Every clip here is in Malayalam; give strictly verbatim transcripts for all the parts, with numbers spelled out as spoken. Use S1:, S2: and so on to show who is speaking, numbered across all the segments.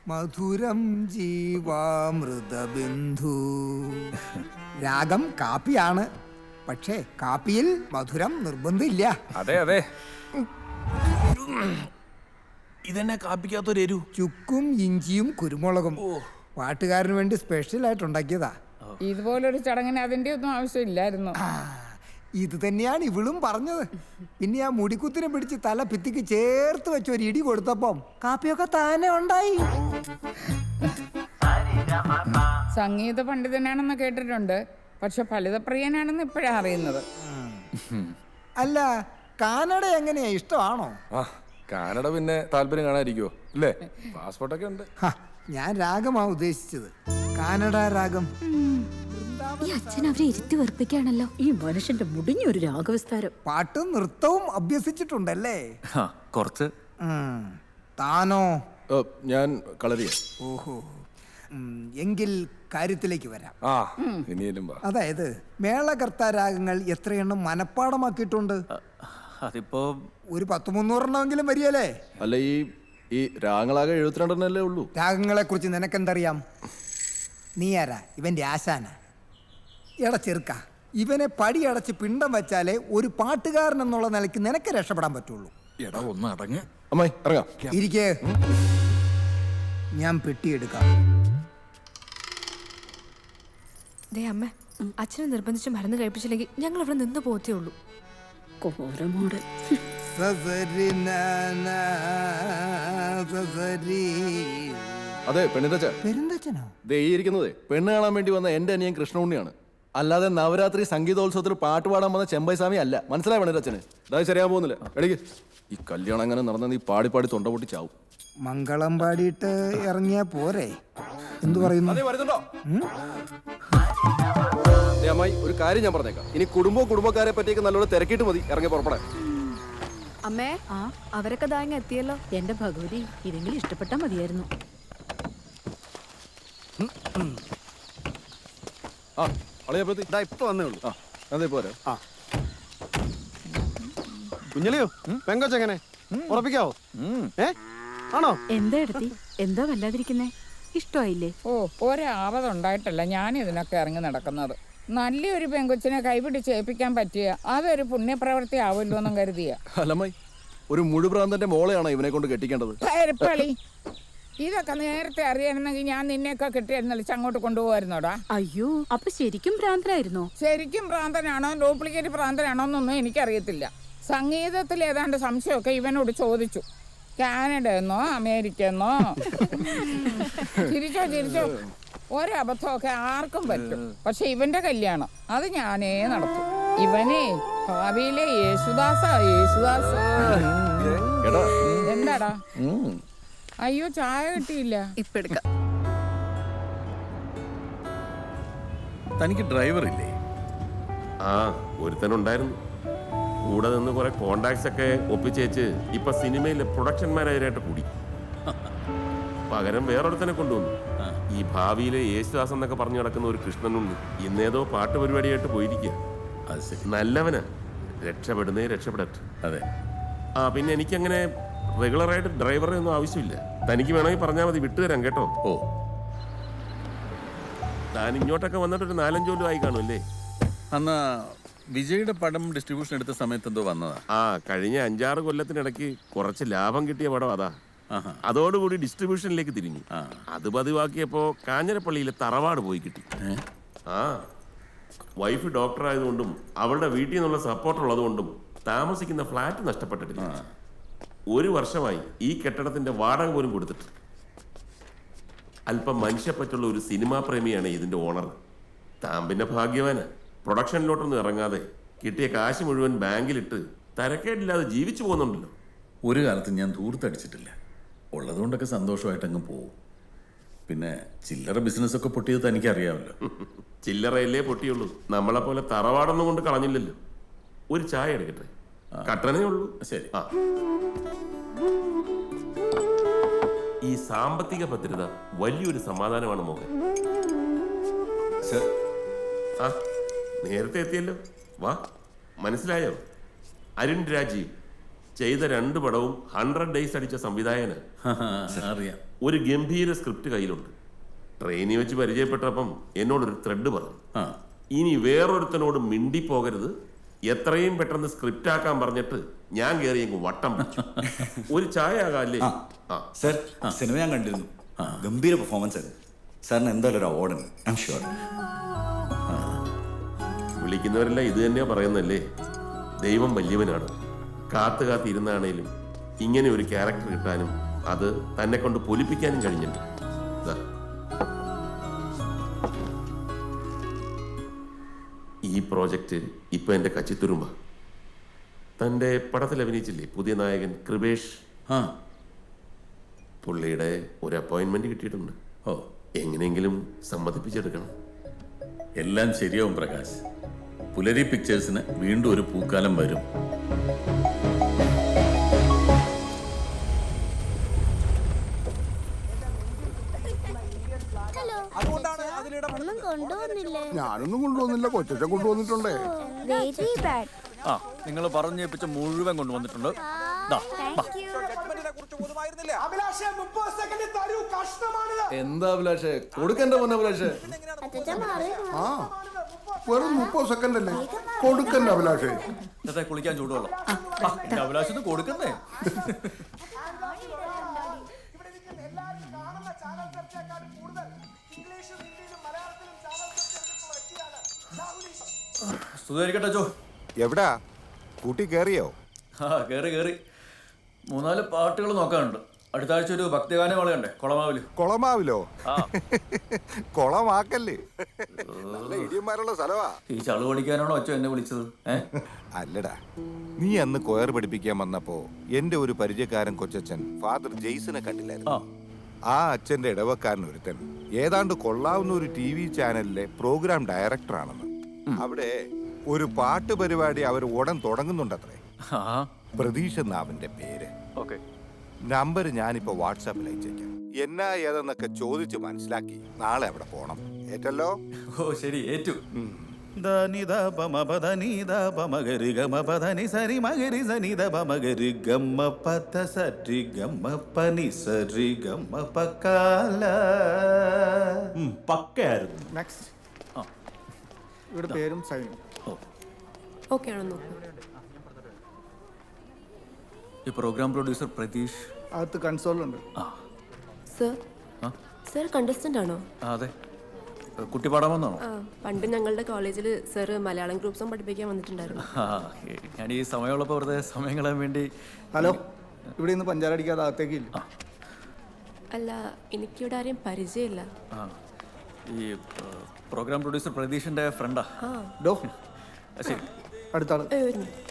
S1: മധുരം ജീവാമൃതബിന്ദു. രാഗം കാപ്പിയാണ്, പക്ഷേ കാപ്പിയിൽ മധുരം നിർബന്ധമില്ല.
S2: അതെ അതെ, ഇതെന്നെ കാപ്പിക്കാത്തൊരു എരു.
S1: ചുക്കും ഇഞ്ചിയും കുരുമുളകും പാട്ടുകാരന് വേണ്ടി സ്പെഷ്യൽ ആയിട്ട് ഉണ്ടാക്കിയതാ.
S3: ഇതുപോലൊരു ചടങ്ങിന് അതിന്റെ ഒന്നും ആവശ്യമില്ലായിരുന്നു.
S1: ഇത് തന്നെയാണ് ഇവളും പറഞ്ഞത്. പിന്നെ ആ മുടിക്കുത്തിനെ പിടിച്ച് തല ഭിത്തിക്ക് ചേർത്ത് വെച്ച് ഒരു ഇടി കൊടുത്തപ്പം കാപ്പിയൊക്കെ താനെ ഉണ്ടായി.
S3: സംഗീത പണ്ഡിതനാണെന്ന് കേട്ടിട്ടുണ്ട്, പക്ഷെ ഫലിതപ്രിയനാണെന്ന് ഇപ്പോഴാ അറിയുന്നത്.
S1: അല്ല, കാനഡ എങ്ങനെയാ, ഇഷ്ടമാണോ?
S2: ആ, കാനഡ പിന്നെ താല്പര്യം കാണാതിരിക്കുവോ അല്ലേ? പാസ്പോർട്ടൊക്കെ ഉണ്ട്.
S1: ഞാൻ രാഗമാ ഉദ്ദേശിച്ചത്, കാനഡ രാഗം.
S4: ഈ അച്ഛൻ അവരെ ഇരുത്തി വെറുപ്പിക്കാണല്ലോ.
S5: ഈ മനുഷ്യന്റെ മുടിഞ്ഞൊരു രാഗവിസ്താരം.
S1: പാട്ടും നൃത്തവും അഭ്യസിച്ചിട്ടുണ്ടല്ലേ?
S2: കുറച്ച്.
S1: താനോ?
S2: ഞാൻ കളരിയ.
S1: ഓഹോ, എങ്കിൽ കാര്യത്തിലേക്ക് വരാം.
S2: ആ, ഇനിയും
S1: അതായത് മേളകർത്ത രാഗങ്ങൾ എത്രയെണ്ണം മനഃപ്പാടമാക്കിയിട്ടുണ്ട്?
S2: അതിപ്പോ
S1: ഒരു പത്ത് മുന്നൂറെണ്ണമെങ്കിലും വരികയല്ലേ?
S2: അല്ല, ഈ ഈ രാഗങ്ങളാകെ എഴുപത്തിരണ്ടെണ്ണല്ലേ ഉള്ളൂ.
S1: രാഗങ്ങളെ കുറിച്ച് നിനക്കെന്തറിയാം? നീ ആരാ? ഇവന്റെ ആശാന? എടാ ചെറുക്ക, ഇവനെ പടിയടച്ച് പിണ്ടം വെച്ചാലേ ഒരു പാട്ടുകാരൻ എന്നുള്ള നിലയ്ക്ക് നിനക്ക് രക്ഷപ്പെടാൻ പറ്റുള്ളൂ.
S2: എടാ ഒന്ന് അടങ്ങ്. അമ്മായി ഇറങ്ങാം.
S1: ഇരിക്കേ, ഞാൻ പെട്ടിയെടുക്കാം.
S4: ദേ അമ്മ, അച്ഛനെ നിർബന്ധിച്ച് മരുന്ന് കഴിപ്പിച്ചില്ലെങ്കിൽ ഞങ്ങൾ ഇവിടെ നിന്ന് പോത്തേ ഉള്ളൂ.
S5: കോരമോട്
S2: അതെ, പെണ്ണിന്റെ
S1: പെരുന്തച്ഛനോ?
S2: ദേ ഈ ഇരിക്കുന്നതേ പെണ്ണ് കാണാൻ വേണ്ടി വന്ന എന്റെ അനിയൻ കൃഷ്ണുണ്ണിയാണ്. അല്ലാതെ നവരാത്രി സംഗീതോത്സവത്തിൽ പാട്ട് പാടാൻ വന്ന ചെമ്പൈ സ്വാമി അല്ല. മനസ്സിലായ പെണ്ണിന്റെ അതായത് ശരിയാൻ പോകുന്നില്ല. എടീക്ക്, ഈ കല്യാണം അങ്ങനെ നടന്ന നീ പാടി പാടി തൊണ്ട പൊട്ടി ചാവും.
S1: മംഗളം പാടിയിട്ട് ഇറങ്ങിയാ പോരെ? എന്തു പറയുന്നു?
S2: അമ്മായി, ഒരു കാര്യം ഞാൻ പറഞ്ഞേക്കാം. ഇനി കുടുംബവും കുടുംബക്കാരെ പറ്റിയൊക്കെ നല്ലോണം തിരക്കിയിട്ട് മതി ഇറങ്ങി പുറപ്പെടാൻ.
S4: അമ്മേ, ആ അവരൊക്കെ ദാങ്ങ എത്തിയല്ലോ.
S5: എന്റെ ഭഗവതി, ഇതെങ്കിലും ഇഷ്ടപ്പെട്ടാ മതിയായിരുന്നു.
S2: ആ, അളിയപ്പത്തി
S6: ഇപ്പൊ വന്നേ ഉള്ളൂ.
S2: ആ, അതെ പോരാ.
S6: ആ കുഞ്ഞലിയോ, പെങ്കൊച്ചെങ്ങനെ ഉറപ്പിക്കാവോ? ഏ ആണോ?
S5: എന്താ എടുത്തി, എന്താ വല്ലാതിരിക്കുന്നേ? ഇഷ്ടമായില്ലേ?
S3: ഓ, ഒരാപതുണ്ടായിട്ടല്ല ഞാൻ ഇതിനൊക്കെ ഇറങ്ങി നടക്കുന്നത്. നല്ലൊരു പെങ്കൊച്ചിനെ കൈപിടിച്ച് ഏൽപ്പിക്കാൻ പറ്റിയ അതൊരു പുണ്യപ്രവൃത്തി ആവുമല്ലോ എന്നും കരുതിയ.
S2: അല്ലമ്മായി, ഒരു മുഴുപ്രാന്തന്റെ മോളെയാണോ ഇവനെ കൊണ്ട് കെട്ടിക്കേണ്ടത്?
S3: ഇതൊക്കെ നേരത്തെ അറിയണമെങ്കിൽ ഞാൻ നിന്നെയൊക്കെ കെട്ടിയിരുന്നളിച്ച് അങ്ങോട്ട് കൊണ്ടുപോകായിരുന്നോടാ.
S5: അയ്യോ, അപ്പൊ ശരിക്കും ഭ്രാന്തനായിരുന്നോ?
S3: ശരിക്കും ഭ്രാന്തനാണോ ഡ്യൂപ്ലിക്കേറ്റ് ഭ്രാന്തനാണോ എന്നൊന്നും എനിക്കറിയത്തില്ല. സംഗീതത്തിൽ ഏതാണ്ട് സംശയമൊക്കെ ഇവനോട് ചോദിച്ചു. കാനഡ എന്നോ അമേരിക്ക എന്നോ. ചിരിച്ചോ ചിരിച്ചോ, ഒരബദ്ധമൊക്കെ ആർക്കും പറ്റും. പക്ഷെ ഇവന്റെ കല്യാണം അത് ഞാനേ നടത്തും. ഇവനെ ഭാവിയിലെ യേശുദാസ. യേശുദാസ എന്താടാ? അയ്യോ, ചായ കിട്ടിയില്ല.
S4: ഇപ്പൊ എടുക്കാം.
S7: തനിക്ക് ഡ്രൈവർ ഇല്ലേ?
S8: ആ, ഒരുത്തനുണ്ടായിരുന്നു. കൂടെ നിന്ന് കുറെ കോണ്ടാക്ട്സ് ഒക്കെ ഒപ്പിച്ചേച്ച് ഇപ്പൊ സിനിമയിലെ പ്രൊഡക്ഷൻ മാനേജറായിട്ട് കൂടി. പകരം വേറൊരുത്തനെ കൊണ്ടുവന്നു. ഈ ഭാവിയിലെ യേശുദാസ് എന്നൊക്കെ പറഞ്ഞു നടക്കുന്ന ഒരു കൃഷ്ണനുണ്ട്. ഇന്നേതോ പാട്ട് പരിപാടിയായിട്ട് പോയിരിക്കുക.
S7: അത് ശരി,
S8: നല്ലവനാ. രക്ഷപ്പെടുന്നേ രക്ഷപ്പെടട്ടെ.
S7: അതെ.
S8: ആ, പിന്നെ എനിക്കങ്ങനെ റെഗുലറായിട്ട് ഡ്രൈവറെ ഒന്നും ആവശ്യമില്ല. തനിക്ക് വേണമെങ്കിൽ പറഞ്ഞാൽ മതി, വിട്ടുതരാം കേട്ടോ.
S7: ഓ,
S8: താൻ ഇങ്ങോട്ടൊക്കെ വന്നിട്ട് ഒരു നാലഞ്ചു കൊല്ലം ആയി കാണുമല്ലേ?
S7: അന്നാ വിജയുടെ പടം ഡിസ്ട്രിബ്യൂഷൻ എടുത്ത സമയത്ത് എന്തോ വന്നതാ.
S8: ആ, കഴിഞ്ഞ അഞ്ചാറ് കൊല്ലത്തിനിടയ്ക്ക് കുറച്ച് ലാഭം കിട്ടിയ പടം അതാ. അതോടുകൂടി ഡിസ്ട്രിബ്യൂഷനിലേക്ക് തിരിഞ്ഞു. അത് പതിവാക്കിയപ്പോ കാഞ്ഞിരപ്പള്ളിയിലെ തറവാട് പോയി കിട്ടി. ആ, വൈഫ് ഡോക്ടർ ആയതുകൊണ്ടും അവളുടെ വീട്ടിൽ നിന്നുള്ള സപ്പോർട്ട് ഉള്ളതുകൊണ്ടും താമസിക്കുന്ന ഫ്ലാറ്റ് നഷ്ടപ്പെട്ടിട്ടില്ല. ഒരു വർഷമായി ഈ കെട്ടിടത്തിന്റെ വാടക പോലും കൊടുത്തിട്ട്. അല്പം മനുഷ്യപ്പറ്റുള്ള ഒരു സിനിമാ പ്രേമിയാണ് ഇതിന്റെ ഓണർ. താൻ പിന്നെ ഭാഗ്യവാന്. പ്രൊഡക്ഷനിലോട്ടൊന്നും ഇറങ്ങാതെ കിട്ടിയ കാശ് മുഴുവൻ ബാങ്കിലിട്ട് തരക്കേടില്ലാതെ ജീവിച്ചു പോകുന്നുണ്ടല്ലോ.
S7: ഒരു കാലത്ത് ഞാൻ ദൂർത്തടിച്ചിട്ടില്ല. ഉള്ളതുകൊണ്ടൊക്കെ സന്തോഷമായിട്ട് അങ്ങ് പോവും. പിന്നെ ചില്ലറ ബിസിനസ്സൊക്കെ പൊട്ടിയത് തനിക്കറിയാമല്ലോ.
S8: ചില്ലറയല്ലേ പൊട്ടിയുള്ളൂ. നമ്മളെ പോലെ തറവാടൊന്നും കൊണ്ട് കളഞ്ഞില്ലല്ലോ. ഒരു ചായ എടുക്കട്ടെ? കട്ടനേ ഉള്ളൂ.
S7: ശരി.
S8: ആ, ഈ സാമ്പത്തിക ഭദ്രത വലിയൊരു സമാധാനമാണ് മോഹൻ. ആ, നേരത്തെ എത്തിയല്ലോ. വാ, മനസ്സിലായോ? അരുൺ രാജീവ്, ചെയ്ത രണ്ട് പടവും ഹൺഡ്രഡ് ഡേയ്സ് അടിച്ച സംവിധായകന്
S7: അറിയാം.
S8: ഒരു ഗംഭീര സ്ക്രിപ്റ്റ് കയ്യിലുണ്ട്. ട്രെയിനിൽ വെച്ച് പരിചയപ്പെട്ടപ്പം എന്നോടൊരു ത്രെഡ് പറഞ്ഞു,
S7: ആ
S8: ഇനി വേറൊരുത്തനോട് മിണ്ടിപ്പോകരുത്, എത്രയും പെട്ടെന്ന് സ്ക്രിപ്റ്റ് ആക്കാൻ പറഞ്ഞിട്ട് ഞാൻ കയറി അങ്ങ് വട്ടം പിടിച്ചു. ഒരു ചായ ആകാല്ലേ? ആ
S9: സർ, സിനിമ ഞാൻ കണ്ടിരുന്നു. ഗംഭീര പെർഫോമൻസ് ആയിരുന്നു. സാറിന് എന്തായാലും ഒരു അവാർഡുണ്ട്, ഐ എം ഷുവർ.
S8: വിളിക്കുന്നവരെല്ലാം ഇത് തന്നെയാ പറയുന്നല്ലേ, ദൈവം വലിയവനാണ്. കാത്തു കാത്തിരുന്നാണേലും ഇങ്ങനെ ഒരു ക്യാരക്ടർ കിട്ടാനും അത് തന്നെ കൊണ്ട് പൊലിപ്പിക്കാനും കഴിഞ്ഞിട്ടുണ്ട്. ദാ. ഈ പ്രോജക്റ്റ് ഇപ്പൊ എന്റെ കച്ചിത്തുരുമ്പ. തന്റെ പടത്തിൽ അഭിനയിച്ചില്ലേ പുതിയ നായകൻ കൃപേഷ്?
S7: ആ
S8: പുള്ളിയുടെ ഒരു അപ്പോയിന്റ്മെന്റ് കിട്ടിയിട്ടുണ്ട്.
S7: ഓ
S8: എങ്ങനെയെങ്കിലും സമ്മതിപ്പിച്ചെടുക്കണം.
S7: എല്ലാം ശരിയാവും പ്രകാശ്. പുലരി പിക്ചേഴ്സിന് വീണ്ടും ഒരു പൂക്കാലം വരും.
S10: ഞാനൊന്നും കൊണ്ടുവന്നില്ല, കൊച്ചച്ഛൻ കൊണ്ടുവന്നിട്ടുണ്ടേ.
S9: ആ, നിങ്ങൾ പറഞ്ഞേപ്പിച്ച മുഴുവൻ കൊണ്ടുവന്നിട്ടുണ്ട്. ദാ, വാ.
S2: എന്താ അഭിലാഷേ കൊടുക്കണ്ട മോനെ അഭിലാഷേ.
S10: ആ വെറും മുപ്പത് സെക്കൻഡ് അല്ലേ, കൊടുക്കണ്ട അഭിലാഷേ.
S9: ഇന്നത്തെ കുളിക്കാൻ ചൂടുവെള്ളം. ആ, എന്റെ അഭിലാഷത്തിന് കൊടുക്കുന്നേ. സ്തുതിയായിരിക്കട്ടെ ചോ.
S10: എവിടാ കൂട്ടി കേറിയോ?
S9: ആ, കേറി കേറി. മൂന്നാല് പാട്ടുകൾ നോക്കാനുണ്ട്. അടുത്ത ആഴ്ച ഒരു ഭക്തിഗാനം വളയണ്ടേ കൊളമാവില്.
S10: കൊളമാവിലോ?
S9: ആ,
S10: കൊളമാക്കല്ലേ, നല്ല ഇടിയന്മാരുള്ള സ്ഥലവാ.
S9: ഈ ചളു പഠിക്കാനാണോ അച്ഛൻ എന്നെ വിളിച്ചത്? ഏ
S10: അല്ലടാ, നീ അന്ന് കൊയർ പഠിപ്പിക്കാൻ വന്നപ്പോ എന്റെ ഒരു പരിചയക്കാരൻ കൊച്ചച്ഛൻ ഫാദർ ജെയ്സനെ കണ്ടില്ലായിരുന്നു. ആ അച്ഛന്റെ ഇടവക്കാരൻ ഒരുത്തൻ ഏതാണ്ട് കൊള്ളാവുന്ന ഒരു ടി വി ചാനലിലെ പ്രോഗ്രാം ഡയറക്ടറാണെന്ന്. അവിടെ ഒരു പാട്ട് പരിപാടി അവർ ഉടൻ തുടങ്ങുന്നുണ്ടത്രേ. പ്രതീഷ് എന്നാ അവന്റെ പേര്.
S9: ഓക്കെ,
S10: നമ്പർ ഞാനിപ്പോ വാട്സാപ്പിൽ അയച്ചേക്കാം. എന്നാ ഏതെന്നൊക്കെ ചോദിച്ച് മനസ്സിലാക്കി നാളെ അവിടെ പോണം. ഏറ്റല്ലോ?
S9: ഓ ശരി, ഏറ്റു.
S6: ഇവിടെ പേരും സൈനും.
S4: ഓക്കെ ആണോ നോക്കൂ.
S9: ഈ പ്രോഗ്രാം പ്രൊഡ്യൂസർ പ്രതീഷ്
S6: അകത്ത് കൺസോളുണ്ട്.
S4: സർ, സർ കണ്ടസ്റ്റന്റ് ആണോ?
S9: ആ, അതെ. കുട്ടി പാടാൻ വന്നാണോ?
S4: ആ, പണ്ട് ഞങ്ങളുടെ കോളേജിൽ സർ മലയാളം ഗ്രൂപ്പ് സോങ് പഠിപ്പിക്കാൻ വന്നിട്ടുണ്ടായിരുന്നു.
S9: ആ, ഞാൻ ഈ സമയമുള്ളപ്പോൾ വെറുതെ സമയം കളയാൻ വേണ്ടി.
S6: ഹലോ, ഇവിടെ നിന്ന് പഞ്ചാരടിക്കാതെ അകത്തേക്ക് ഇല്ല.
S4: അല്ല, എനിക്കിവിടെ ആരെയും പരിചയമില്ല.
S9: ആ, ഈ പ്രോഗ്രാം പ്രൊഡ്യൂസർ പ്രതീഷിന്റെ ഫ്രണ്ടാ.
S4: ആ,
S6: ഡോ
S9: ശരി.
S6: അടുത്ത ആള്.
S4: ഏ, ഒരു minute.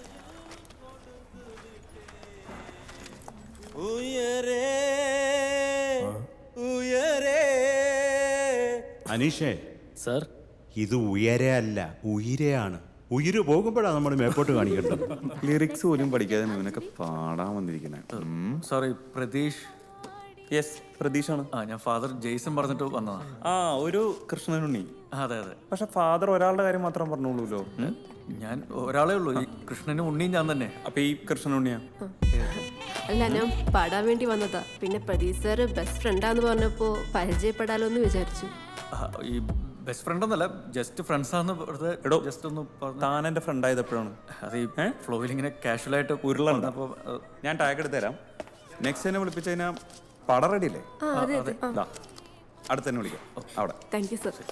S11: അനീഷേ സർ, ഇത് ഉയരെ അല്ല ഉയരെയാണ്. ഉയര് പോകുമ്പോഴാണ് നമ്മൾ മേപ്പോട്ട് കാണിക്കേണ്ടത്.
S12: ലിറിക്സ് പോലും പഠിക്കാതെ ഇവനൊക്കെ പാടാൻ വന്നിരിക്കണേ.
S9: സോറി, പ്രതീഷ്.
S12: യെസ്, പ്രതീഷാണ്.
S9: ആ, ഞാൻ ഫാദർ ജെയ്സൺ പറഞ്ഞിട്ട് വന്നതാ.
S12: ആ, ഒരു കൃഷ്ണനുണ്ണി.
S9: അതെ അതെ.
S12: പക്ഷെ ഫാദർ ഒരാളുടെ കാര്യം മാത്രം പറഞ്ഞോളൂല്ലോ.
S9: ഞാൻ ഒരാളേ ഉള്ളൂ. ഈ കൃഷ്ണനും ഉണ്ണിയും ഞാൻ തന്നെ.
S12: അപ്പൊ ഈ കൃഷ്ണനുണ്ണിയാ?
S4: അല്ല, ഞാൻ പാടാൻ വേണ്ടി വന്നതാ. പിന്നെ പ്രതീഷ് സാർ ബെസ്റ്റ് ഫ്രണ്ടാന്ന് പറഞ്ഞപ്പോ പരിചയപ്പെടാലോ എന്ന് വിചാരിച്ചു.
S9: ഈ ബെസ്റ്റ് ഫ്രണ്ട് ഒന്നല്ല, ജസ്റ്റ് ഫ്രണ്ട്സ് ആണെന്ന് വെറുതെ ജസ്റ്റ് ഒന്ന് പറഞ്ഞു.
S12: താൻ എന്റെ ഫ്രണ്ട് ആയതെപ്പോഴാണ്?
S9: അത് ഈ ഫ്ലോയിൽ ഇങ്ങനെ കാഷ്വൽ ആയിട്ട്
S12: ഉരുളുണ്ട്. അപ്പോൾ ഞാൻ ടാഗ് എടുത്ത് തരാം. നെക്സ്റ്റ് തന്നെ വിളിപ്പിച്ചു കഴിഞ്ഞാൽ പടം റെഡി അല്ലേ?
S4: ആ, അതെ അതെ.
S12: അടുത്ത് തന്നെ വിളിക്കാം അവിടെ.
S4: Thank you sir.